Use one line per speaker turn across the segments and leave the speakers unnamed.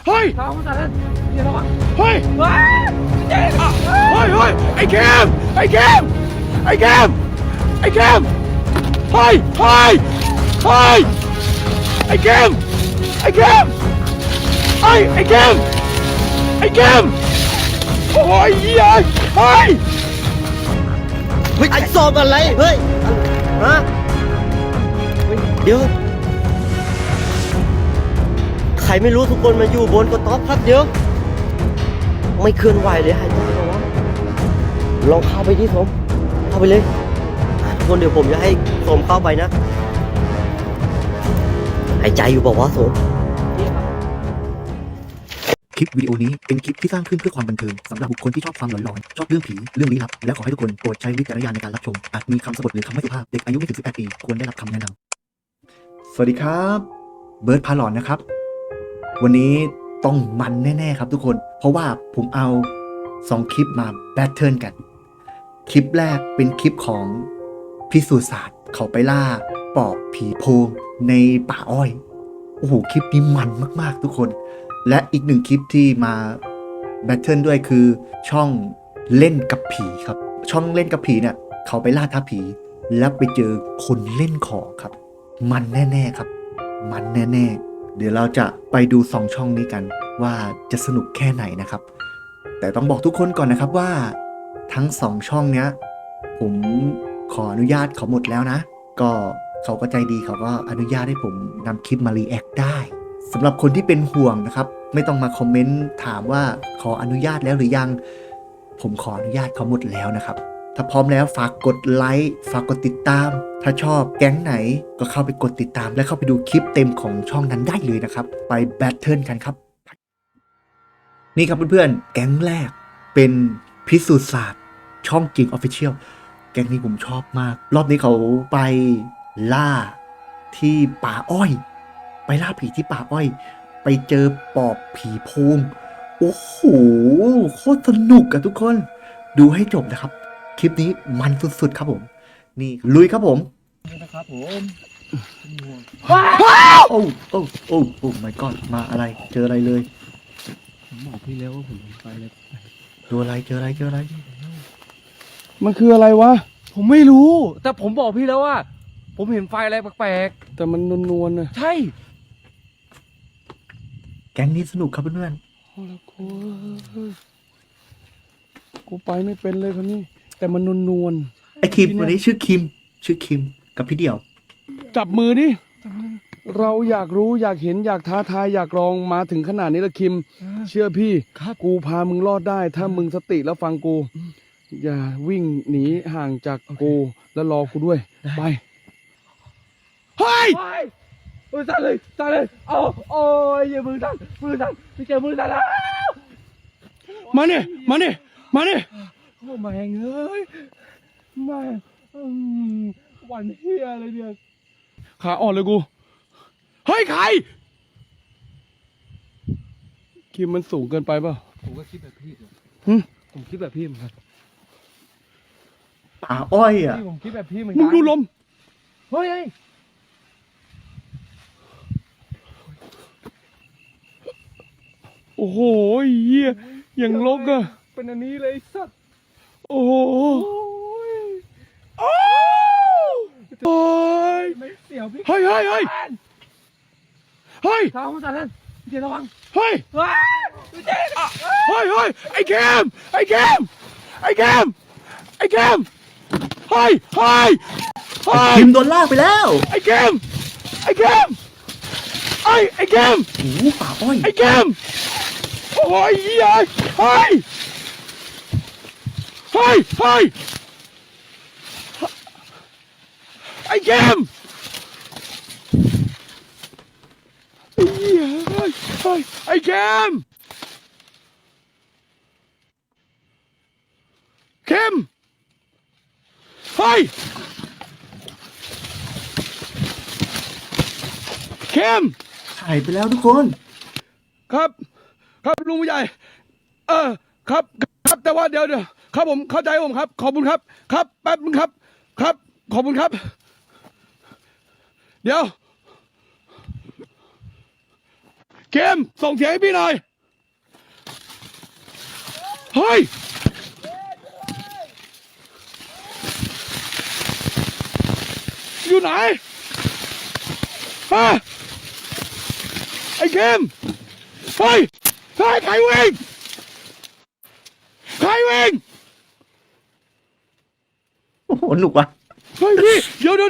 เฮ้ยเฮ้ยไอ้แคมเฮ้ยเฮ้ยไอ้แคมไอ้แคมไอ้แคมโอ้ยเฮ้ย
เฮ้ยไอ้สอบอะไรเฮ้ยฮะเดี๋ยวใครไม่รู้ทุกคนมาอยู่บนกระต๊อบครับเดี๋ยวไม่เคลื่อนไหวเลยหายใจเหรอวะลองเข้าไปที่ผมเข้าไปเลยทุกคนเดี๋ยวผมจะให้สมเข้าไปนะหายใจอยู่บอกว่าสม
คลิปวิดีโอนี้เป็นคลิปที่สร้างขึ้นเพื่อความบันเทิงสำหรับบุคคลที่ชอบความหลอนๆชอบเรื่องผีเรื่องลี้ลับและขอให้ทุกคนโปรดใช้วิจารณญาณในการรับชมอาจมีคำสบถหรือคำไม่สุภาพเด็กอายุไม่ถึง18 ปีควรได้รับคำแนะนำสวัสดีครับเบิร์ดพาหลอนนะครับวันนี้ต้องมันแน่ๆครับทุกคนเพราะว่าผมเอา2 คลิปมาแบทเทิลกันคลิปแรกเป็นคลิปของพิสูจน์ศาสตร์เขาไปล่าปอบผีโพงในป่าอ้อยโอ้โหคลิปนี้มันมากๆทุกคนและอีก1 คลิปที่มาแบทเทิลด้วยคือช่องเล่นกับผีครับช่องเล่นกับผีเนี่ยเขาไปล่าท้าผีแล้วไปเจอคนเล่นของครับมันแน่ๆครับมันแน่ๆเดี๋ยวเราจะไปดู2 ช่องนี้กันว่าจะสนุกแค่ไหนนะครับแต่ต้องบอกทุกคนก่อนนะครับว่าทั้ง2 ช่องเนี้ยผมขออนุญาตเขาหมดแล้วนะก็เขาก็ใจดีเขาก็อนุญาตให้ผมนำคลิปมารีแอคได้สำหรับคนที่เป็นห่วงนะครับไม่ต้องมาคอมเมนต์ถามว่าขออนุญาตแล้วหรือยังผมขออนุญาตเขาหมดแล้วนะครับถ้าพร้อมแล้วฝากกดไลค์ฝากกดติดตามถ้าชอบแก๊งไหนก็เข้าไปกดติดตามและเข้าไปดูคลิปเต็มของช่องนั้นได้เลยนะครับไปแบทเทิลกันครับนี่ครับเพื่อนๆแก๊งแรกเป็นพิสูจน์ศาสตร์ช่องจริง Official แก๊งนี้ผมชอบมากรอบนี้เขาไปล่าที่ป่าอ้อยไปล่าผีที่ป่าอ้อยไปเจอปอบผีโพงโอ้โหโคตรสนุกอะทุกคนดูให้จบนะครับคลิปนี้มันสุดๆครับผมนี่ลุยครับผม
นะครับผม
โอ้โอ้ my god มาอะไรเจออะไรเลย
ผมบอกพี่แล้วว่าผมไปเลย
ตัวอะไรเจออะไร
มันคืออะไรวะผมไม่รู้แต่ผมบอกพี่แล้วว่าผมเห็นไฟอะไรแปลกๆแต่มันนวลๆนะใช่
แก๊งนี้สนุกครับเพื่อน
ๆโอ้ละกูไปไม่เป็นเลยคนนี้แต่มันนวล
ไอคิมวันนี้ชื่อคิมกับพี่เดี่ยว
จับมือดิเราอยากรู้อยากเห็นอยากท้าทายอยากลองมาถึงขนาดนี้ละคิมเชื่อพี่กูพามึงรอดได้ถ้ามึงสติแล้วฟังกูอย่าวิ่งหนีห่างจากกูแล้วรอกูด้วยไปเฮ้ยสั่นเลยโอ้ยอย่ามือสั่นพี่เจอมือสั่นแล้วมาเนี่ยโอ้มาแหงเอ้ยมาวันเฮียอะไรเนี่ยขาอ่อนเลยกูเฮ้ยใครคิมมันสูงเกินไปเปล่าผมก็คิดแบบพี่ผมคิดแบบพี่เหมือนกัน
ป่าอ้อยอ่ะ
ผมคิดแบบพี่เหมือนกันมึงดูลมเฮ้ยโอ้โหเหี้ยอย่างลกอะเป็นอันนี้เลยสัตว์โอ้โหโอ้ยเสียวพี่เฮ้ยท้าผมสั่นเลยพี่เจระวังเฮ้ยไอ้แคมเฮ้ย
คิมโดนลากไปแล้ว
ไอ้แคมไอ้แคม
โอ้โหป่าอ้อย
ไอ้แคมโอ้ยเฮ้ยไอ้แคมไอ้แคมเฮ้ย
หายไปแล้วทุกคน
ครับลุงผู้ใหญ่ครับแต่ว่าเดี๋ยวครับผมเข้าใจผมครับขอบคุณครับแป๊บนึงครับขอบคุณครับเดี๋ยวเข้มส่งเสียงให้พี่หน่อย เฮ้ย อยู่ไหนฮะไอ้เข้มเฮ้ยเฮ้ยใครวิ่งใครวิ่ง
โอ้โหหนุกว่ะ
เฮ้ยพี่เดี๋ยว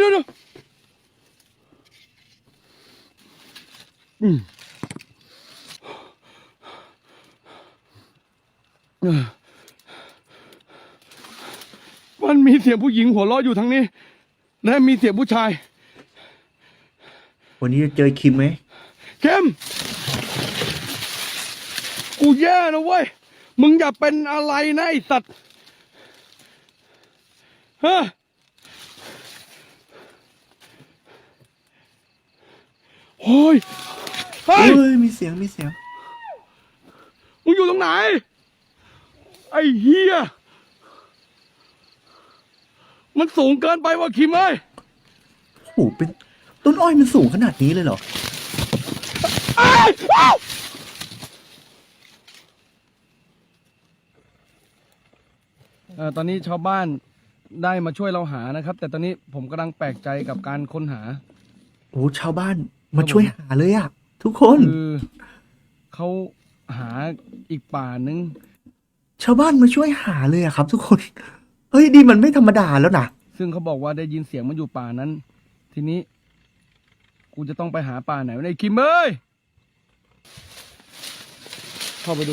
อืมมันมีเสียงผู้หญิงหัวเราะอยู่ทางนี้ และมีเสียงผู้ชาย
วันนี้จะเจอคิมไหม
เข้มกูแย่นะเว้ย มึงอย่าเป็นอะไรนะไอสัตว์ฮะโอ้ยเฮ้
เฮ้
ย
ยมีเสียง
มึงอยู่ตรงไหน ไอ้เฮียมันสูงเกินไปว่ะคิมเอ้ย
โอ้โหเป็นต้นอ้อยมันสูงขนาดนี้เลยเหรอ
อ้าวอ้าวตอนนี้ชาวบ้านได้มาช่วยเราหานะครับ แต่ตอนนี้ผมกำลังแปลกใจกับการค้นหา
โอ้ชาวบ้านมาช่วยหาเลยอะทุกคน
คือเขาหาอีกป่านึง
ชาวบ้านมาช่วยหาเลยอะครับ ทุกคน เฮ้ยดีมันไม่ธรรมดาแล้วนะ
ซึ่งเขาบอกว่าได้ยินเสียงมันอยู่ป่านั้น ทีนี้ กูจะต้องไปหาป่าไหนวะไอ้คิมเอ้ยเข้าไปดู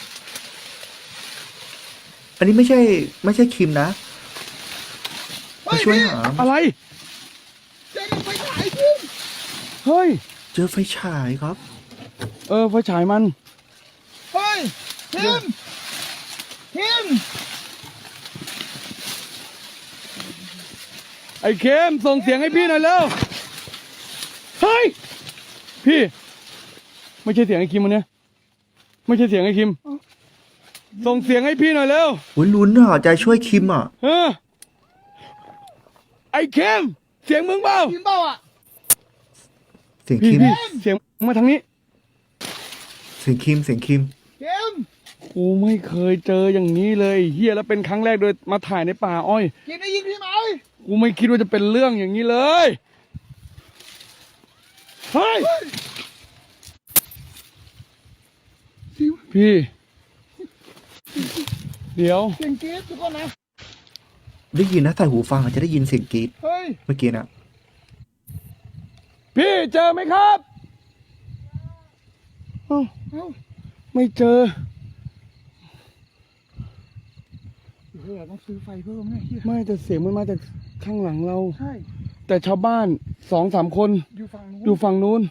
อันนี้ไม่ใช่คิมนะมาช่วยหา
อะไรเฮ้ย
เจอไฟฉายครับ
ไฟฉายมัน
เฮ้ยคิม
ไอ้เข้มส่งเสียงให้พี่หน่อยเร็ว เฮ้ย พี่ ไม่ใช่เสียงไอ้คิมวันเนี้ยไม่ใช่เสียงไอ้คิม ส่งเสียงให้พี่หน่อยเร็ว
โอ้ยลุ้นอ่ะใจช่วยคิมอ่ะ
ไอ้เข้มเสียงมึงเปล่า
คิมเปล่าอ่ะ
เสียง
พี่
คิม
พี่เสียงมาทางนี้
เสียงคิม
คิม
กูไม่เคยเจออย่างนี้เลยเฮียแล้วเป็นครั้งแรกโดยมาถ่ายในป่าอ้อย
คิมได้ยินพี่ไหม
กูไม่คิดว่าจะเป็นเรื่องอย่างนี้เลย เฮ้ย พี่ เดี๋ยว
เสียงกรี๊ดทุกคนนะ
ได้ยินนะใส่หูฟังอาจจะได้ยินเสียงกรี๊ด
เฮ้ย
เมื่อกี้นะ
พี่เจอไหมครับเอ้า
เอ้า
ไม่เจอ
เฮ้ยต้องซื้อไฟเพิ่มเนี่ยเฮีย
ไม่แต่เสียงมันมาจากข้างหลังเรา
ใช่
แต่ชาวบ้าน2-3 คน
อยู่ฝั่งนู้น
อยู่ฝั่งนู้น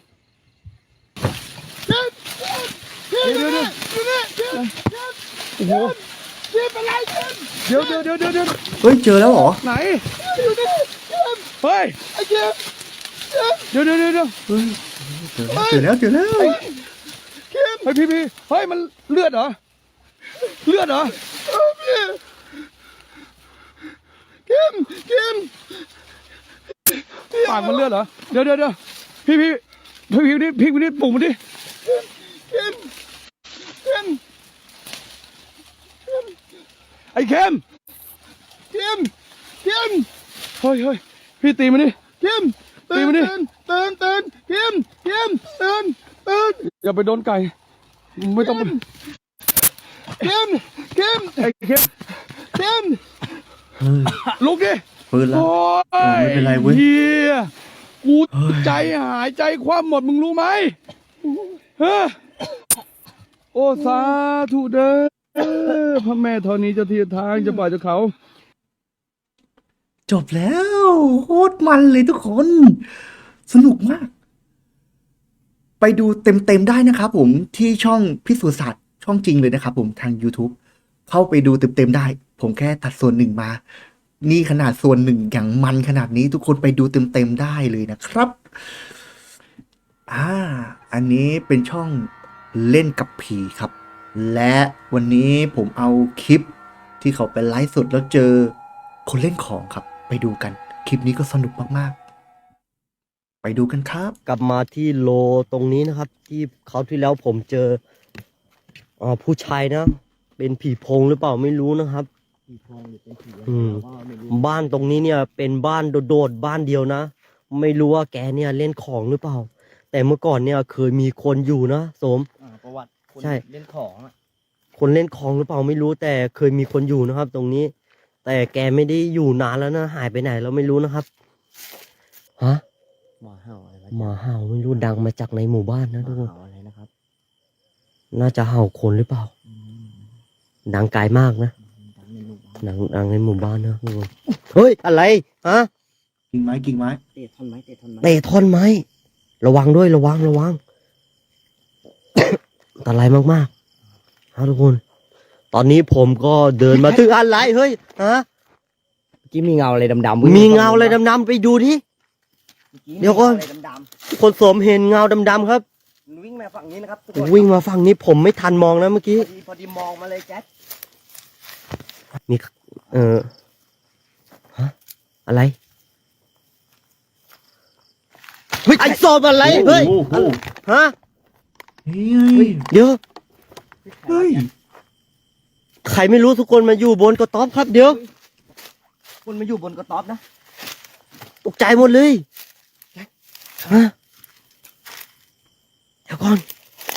คิม
เดี๋ยว
อยู่นี่คิม
โอ้โห
คิมเป็นไรคิม
เดี๋ยว
เฮ้ยเจอแล้วเหรอ
ไหน
อยู่นี่คิม
เฮ้ย
ไอ้คิม
เดี๋ยว
เฮ้ยเจอแล้ว
คิม
เฮ้ยพี่เฮ้ยมันเลือดเหรอ เลือดเหรอ
คิม
ปากมันเลือดเหรอ เดี๋ยวพี่นี่ปลุกมันดิ
คิม
ไอ้เข้ม
คิม
เฮ้ยพี่ตีมันดิ
คิม
ตีมันดิ
ตื่นคิมตื่น
อย่าไปโดนไก่ ไม่ต้อง
คิม
ไอ้เข้ม
คิม
เฮ้ย
ลุกดิ
ปืนแล้ว
โอ้ย
ไม่เป็นไรเว้ย
เฮียกู
เฮ้ย
ใจหายใจคว่ำหมดมึงรู้ไหมเฮ้อโอ้สาธุเด้อพระแม่ธรณีเจ้าที่เจ้าทางเจ้าป่าเจ้าเขา
จบแล้วโคตรมันเลยทุกคน สนุกมาก ไปดูเต็มๆได้นะครับผมที่ช่องพิสูจน์ศาสตร์ช่องจริงเลยนะครับผมทาง YouTube เข้าไปดูเต็มๆได้ ผมแค่ตัดส่วนหนึ่งมา นี่ขนาดส่วนหนึ่งอย่างมันขนาดนี้ทุกคนไปดูเต็มๆได้เลยนะครับ อันนี้เป็นช่องเล่นกับผีครับ และวันนี้ผมเอาคลิปที่เขาไปไลฟ์สดแล้วเจอคนเล่นของครับ ไปดูกัน คลิปนี้ก็สนุกมากๆ ไปดูกันครับ
กลับมาที่โลตรงนี้นะครับ ที่เขาวที่แล้วผมเจอผู้ชายนะ เป็นผีโพงหรือเปล่าไม่รู้นะครับ
ผีโพงหรือเป็นผีอะไร
อืม
เราก็ไม่รู้
บ้านตรงนี้เนี่ยเป็นบ้านโดดๆบ้านเดียวนะ ไม่รู้ว่าแกเนี่ยเล่นของหรือเปล่า แต่เมื่อก่อนเนี่ยเคยมีคนอยู่นะโสม
ประวัติคน
ใช่
เล่นของอ่ะ
คนเล่นของหรือเปล่าไม่รู้แต่เคยมีคนอยู่นะครับ ตรงนี้ แต่แกไม่ได้อยู่นานแล้วนะหายไปไหนเราไม่รู้นะครับฮะ
หมาเห่าอะไรวะ
หมาเห่าไม่รู้ดังมาจากในหมู่บ้านนะ
ห
ทุก
มา
คน
เห่าอะไรนะครับ
น่าจะเห่าคนหรือเปล่า
อืม
ดังไกลมากนะ
ดังในหมู่บ้าน
ดังในหมู่บ้านนะทุกคนเฮ้ยอะไรฮะ
กิ่งไม้กิ่งไม้
เตะท่อนไม้เตะท่อนไม้
เตะท่อนไม้ระวังด้วยระวัง อันตรายมากๆฮะทุกคน ตอนนี้ผมก็เดินมาถึงอะไรเฮ้ยฮะ
เมื่อกี้มีเงาอะไรดำๆ
มีเงาอะไรดำๆไปดูที่ เดี๋ยวก่อน
มีเงาอะไรดำ
คนสวมเห็นเงาดำๆครับ
ๆวิ่งมาฝั่งนี้นะครับทุกคน
วิ่งมาฝั่งนี้ผมไม่ทันมองนะเมื่อกี้
พอดีมองมาเลยแจ๊ค
มีฮะอะไรเฮ้ยไอ้ศพอะไรเฮ้ย
โอ้โห
ฮะ
เฮ้ย
เดี๋ยว
เฮ้ย
ใครไม่รู้ทุกคนมาอยู่บนกระต๊อบครับเดี๋ยว
คนมาอยู่บนกระต๊อบนะ
ตกใจหมดเลยฮะเดี๋ยวก่อน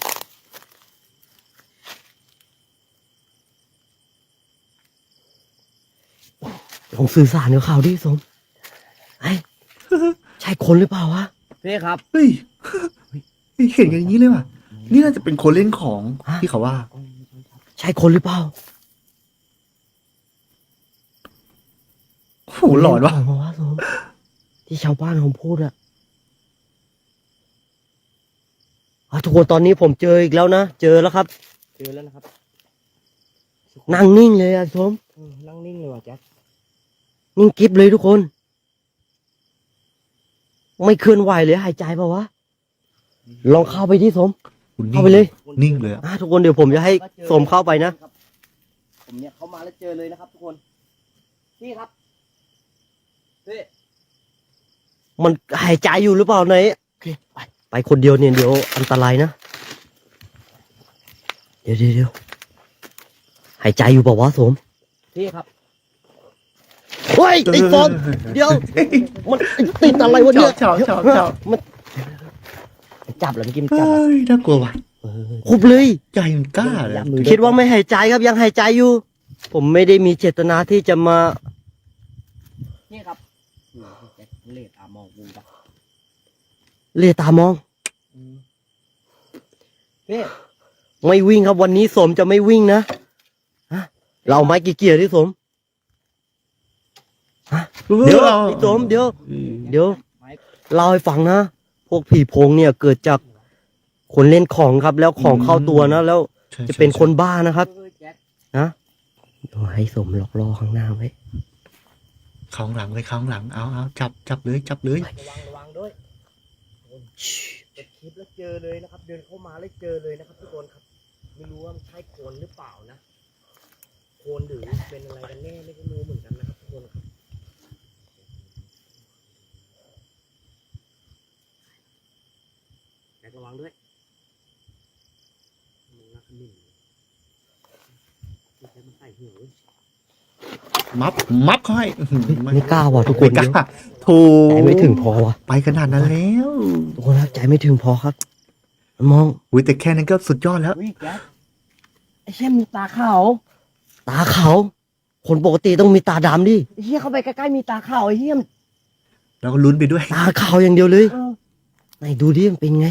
ลองสื่อสารกับเขาดิสมไอ้ใช่คนหรือเปล่าวะ
พี่ครับ
เฮ้ยเห็นกันอย่างนี้เลยว่ะ นี่น่าจะเป็นคนเล่นของที่เขาว่า
ใช่คนหรือเปล่า
โอ้โหหลอนว่ะ
เล่ขงสมที่ชาวบ้านเขาพูดอะทุกคนตอนนี้ผมเจออีกแล้วนะเจอแล้วครับ
เจอแล้วนะครับ
นั่งนิ่งเลยอะสม
นั่งนิ่งเลยว่ะแจ๊ค
นิ่งกิ๊บเลยทุกคน ไม่เคลื่อนไหวเลยหายใจเปล่าวะลองเข้าไปที่สม เข้าไปเลย
นิ่งเลยอะ
ทุกคนเดี๋ยวผมจะให้สมเข้าไปนะ
ผมเนี่ยเข้ามาแล้วเจอเลยนะครับ ทุกคนพี่ครับพี่
มันหายใจอยู่หรือเปล่าไหนโอเคไปคนเดียวเนี่ยเดี๋ยวอันตรายนะเดี๋ยวหายใจอยู่เปล่าวะสม
พี่ครับ
เฮ้ยไอ้สมเดี๋ยวมันติดอะไรวะเนี่ย
ชอบ
จับแล้วเมื่อกี้มันจับ
เฮ้ยน่ากลัวว่ะ
คุบเลย
ใจมันกล้าเลย
คิดว่าไม่หายใจครับยังหายใจอยู่ ผมไม่ได้มีเจตนาที่จะมา
นี่ครับแจ๊คเล่ตามองกูปะ
เลียตามอง
พี่
ไม่วิ่งครับวันนี้สมจะไม่วิ่งนะฮะเราเอาไม้กี่เกียร์ที่สมฮะเดี๋ยวพี่สมเดี๋ยว
ไม้
เล่าให้ฟังนะพวกผีโพงเนี่ยเกิดจากคนเล่นของครับ แล้วของเข้าตัวนะแล้ว
ใช่
จะเป็นคนบ้านะครับ
แจ๊ค
นะเดี๋ยวให้สมหลอกล่อข้างหน้าไว้
ข้างหลังเลยข้างหลังเอาจับเลย
ระวังด้วยเปิดคลิปแล้วเจอเลยนะครับ เดินเข้ามาแล้วเจอเลยนะครับทุกคนครับ ไม่รู้ว่ามันใช่โคลนหรือเปล่านะโคลนหรือเป็นอะไรกันแน่ไม่รู้เหมือนกันนะครับทุกคนครับแจ๊คระวังด้วยมองหน้าขมิ้นแจ๊คมันใส่หัวเว้ย
มับเขาให้
ไม่กล้าว่ะทุกคน
ไม่กล้าโถู
ใจไม่ถึงพอว่ะ
ไปขนาดนั้นแล้ว
ทุกคนครับใจไม่ถึงพอครับ มอง
อุ้ยแต่แค่นั้นก็สุดยอดแล้ว
อุ้ยแจ๊คไอ้เชี่ยมีตาขาว
ตาขาวคนปกติต้องมีตาดำดิ
ไอ้เชี่ยเข้าไปใกล้ๆมีตาขาวไอ้เชี่ยม
แล้วก็ลุ้นไปด้วย
ตาขาวอย่างเดียวเลย
เออ
ไหนดูดิมันเป็นไง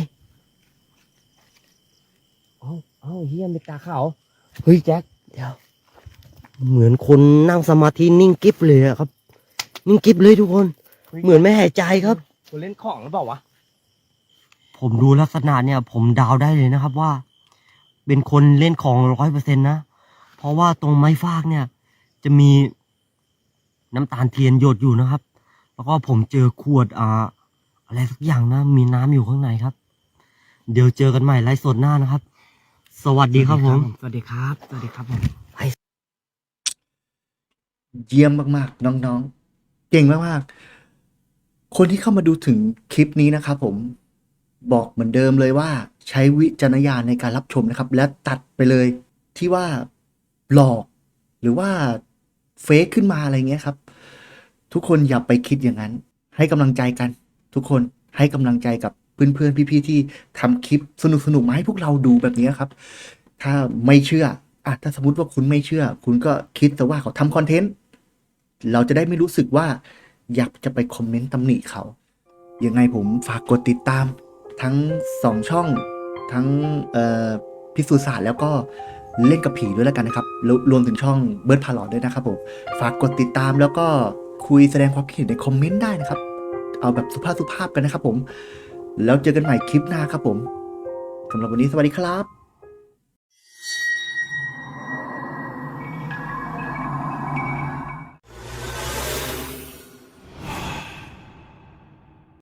เอาเชี่ยมีตาขาว
เฮ้ยแจ็คเดี๋ยวเหมือนคนนั่งสมาธินิ่งกิ๊บเลยอะครับ นิ่งกิ๊บเลยทุกคน เหมือนไม่หายใจครับ
คนเล่นของหรือเปล่าวะ
ผมดูลักษณะเนี่ย ผมเดาวได้เลยนะครับว่า เป็นคนเล่นของ100%นะเพราะว่าตรงไม้ฟากเนี่ย จะมีน้ำตาลเทียนหยดอยู่นะครับ แล้วก็ผมเจอขวดอะไรสักอย่างนะ มีน้ำอยู่ข้างในครับ เดี๋ยวเจอกันใหม่ไลฟ์สดหน้านะครับ สวัสดีครับผม
สวัสดีครับสวัสดีครับผม
เยี่ยมมากๆน้องๆเก่งมากคนที่เข้ามาดูถึงคลิปนี้นะครับผมบอกเหมือนเดิมเลยว่าใช้วิจารณญาณในการรับชมนะครับ และตัดไปเลยที่ว่าหลอกหรือว่าเฟกขึ้นมาอะไรเงี้ยครับ ทุกคนอย่าไปคิดอย่างนั้น ให้กำลังใจกัน ทุกคนให้กำลังใจกับเพื่อนๆพี่ๆที่ทำคลิปสนุกๆมาให้พวกเราดูแบบนี้ครับ ถ้าไม่เชื่อถ้าสมมติว่าคุณไม่เชื่อ คุณก็คิดแต่ว่าเขาทำคอนเทนต์ เราจะได้ไม่รู้สึกว่าอยากจะไปคอมเมนต์ตำหนิเขา ยังไงผมฝากกดติดตามทั้ง2ช่องทั้งพิสูจน์ศาสตร์แล้วก็เล่นกับผีด้วยแล้วกันนะครับรวมถึงช่องเบิร์ดพาลอดด้วยนะครับผมฝากกดติดตามแล้วก็คุยแสดงความคิดเห็นในคอมเมนต์ได้นะครับ เอาแบบสุภาพๆกันนะครับผมแล้วเจอกันใหม่คลิปหน้าครับผมสำหรับวันนี้สวัสดีครับ